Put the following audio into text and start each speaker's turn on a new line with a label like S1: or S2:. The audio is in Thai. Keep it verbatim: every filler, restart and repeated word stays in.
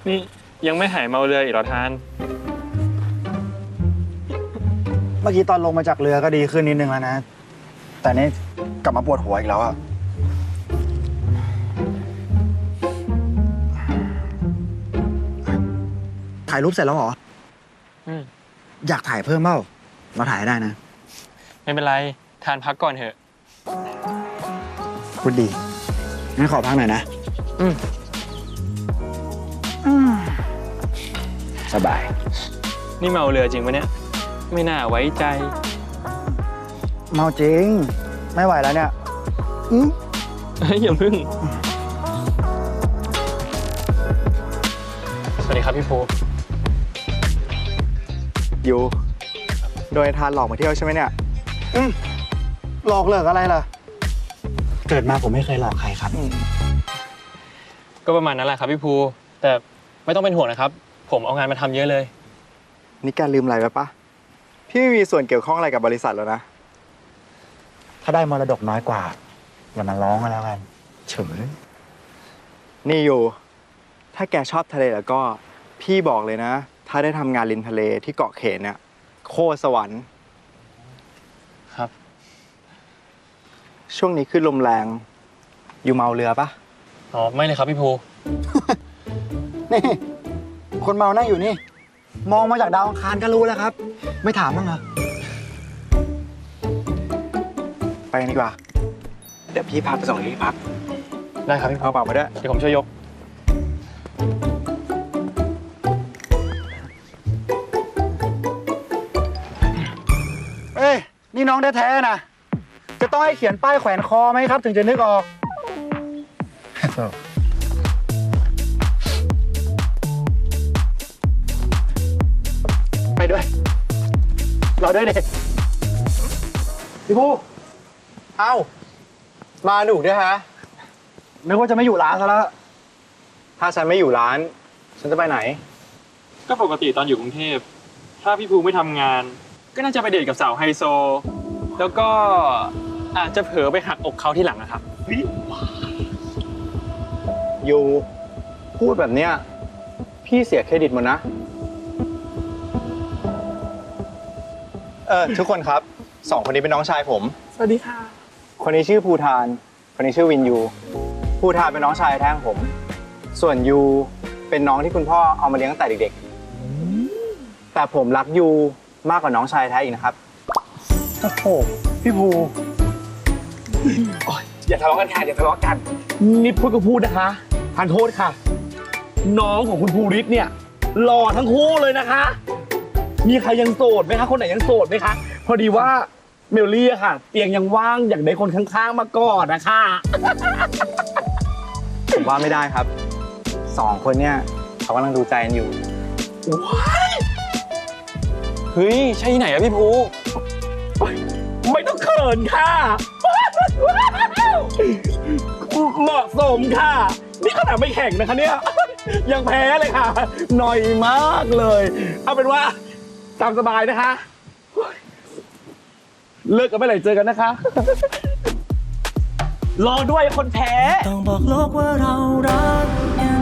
S1: นี่ยังไม่หายเมาเรืออีกเหรอทาน
S2: เมื่อกี้ตอนลงมาจากเรือก็ดีขึ้นนิดนึงแล้วนะ แต่นี่กลับมาปวดหัวอีกแล้วอะถ่ายรูปเสร็จแล้วเหรอ
S1: อืม
S2: อยากถ่ายเพิ่มเปล่าเราถ่ายได้นะ
S1: ไม่เป็นไรทานพักก่อนเถอะ
S2: พูดดี งั้นขอพักหน่อยนะ
S1: อืม
S2: อืมสบาย
S1: นี่เมาเรือจริงปะเนี่ย ไม่น่าไว้ใจ
S2: เมาจริง ไม่ไหวแล้วเนี่ยอืม
S1: เฮ้ยอย่าพึ่ง สวัสดีครับพี่ภู
S3: อยู่โดยทานหลอกมาเที่ยวใช่ไหมเนี่ย
S2: อืมหลอกเลิกอะไรล่ะ เกิดมาผมไม่เคยหลอกใครครับ
S1: ก็ประมาณนั้นแหละครับพี่ภู แต่ไม่ต้องเป็นห่วงนะครับ ผมเอางานมาทำเยอะเลย
S3: นี่แกลืมอะไรไปปะพี่ไม่มีส่วนเกี่ยวข้องอะไรกับบริษัทแล้วนะ
S2: ถ้าได้มรดกน้อยกว่า อย่ามาร้องกันแล้วกัน เฉย
S3: นี่อยู่ ถ้าแกชอบทะเลแล้วก็พี่บอกเลยนะ ถ้าได้ทำงานริมทะเลที่เกาะเขนเนี่ยโคตรสวรรค์
S1: ครับ
S3: ช่วงนี้ขึ้นลมแรง อยู่เมาเรือปะ
S1: อ๋อไม่เลยครับพี่ภู
S2: นี่ คนเมานั่งอยู่นี่ มองมาจากดาวอังคารก็รู้แล้วครับ ไม่ถามบ้างเหรอ
S3: ไปกันดีกว่า เดี๋ยวพี่พาไปส่งที่พัก
S1: ได้ครับพี่ภู
S3: เอาเปล่ามาด้วย
S1: เดี๋ยวผมช่วยยก
S2: เอ้ย นี่น้องแท้ๆนะ จะต้องให้เขียนป้ายแขวนคอไหมครับ ถึงจะนึกออก ไปด้วย รอด้วยเด็กพี่ผู้
S3: เอ้า มาหนูด้วยฮะ
S2: นึกว่าจะไม่อยู่ร้านซะแล้ว
S3: ถ้าฉันไม่อยู่ร้าน ฉันจะไปไหน
S1: ก็ปกติตอนอยู่กรุงเทพ ถ้าพี่ภูไม่ทำงาน ก็น่าจะไปเดทกับสาวไฮโซ แล้วก็อาจจะเผลอไปหักอกเขาที่หลังนะครับ
S3: อยู่พูดแบบเนี้ยพี่เสียเครดิตหมดนะ เออทุกคนครับสองคนนี้เป็นน้องชายผม
S1: สวัสดีค่ะ
S3: คนนี้ชื่อภูทาน คนนี้ชื่อวินยู ภูทานเป็นน้องชายแท้ของผม ส่วนยูเป็นน้องที่คุณพ่อเอามาเลี้ยงตั้งแต่เด็กๆ แต่ผมรักยูมากกว่าน้องชายแท้อีกนะครับ
S2: โอ้โห พี่ภู
S4: อย่าทะเลาะกันค่ะอย่าทะเลาะกันนี่พูดก็พูดนะคะทานโทษค่ะ น้องของคุณภูริศเนี่ยหล่อทั้งคู่เลยนะคะ มีใครยังโสดไหมคะคนไหนยังโสดไหมคะพอดีว่าเมลลี่อะค่ะ เตียงยังว่างอยากได้คนข้างๆมาก่อนนะคะ
S3: ผมว่าไม่ได้ครับ สองคนเนี่ยเขากำลังดูใจกันอยู่
S1: เฮ้ย ใช่ที่ไหนอะพี่ภู
S4: ไม่ต้องเขินค่ะเหมาะสมค่ะ นี่ขนาดไม่แข่งนะคะเนี่ยยังแพ้เลยค่ะหน่อยมากเลย เอาเป็นว่าตามสบายนะคะ เลิกกันไม่ไหร่เจอกันนะคะ รอด้วยคนแพ้
S5: ต้องบอกโลกว่าเรารักกัน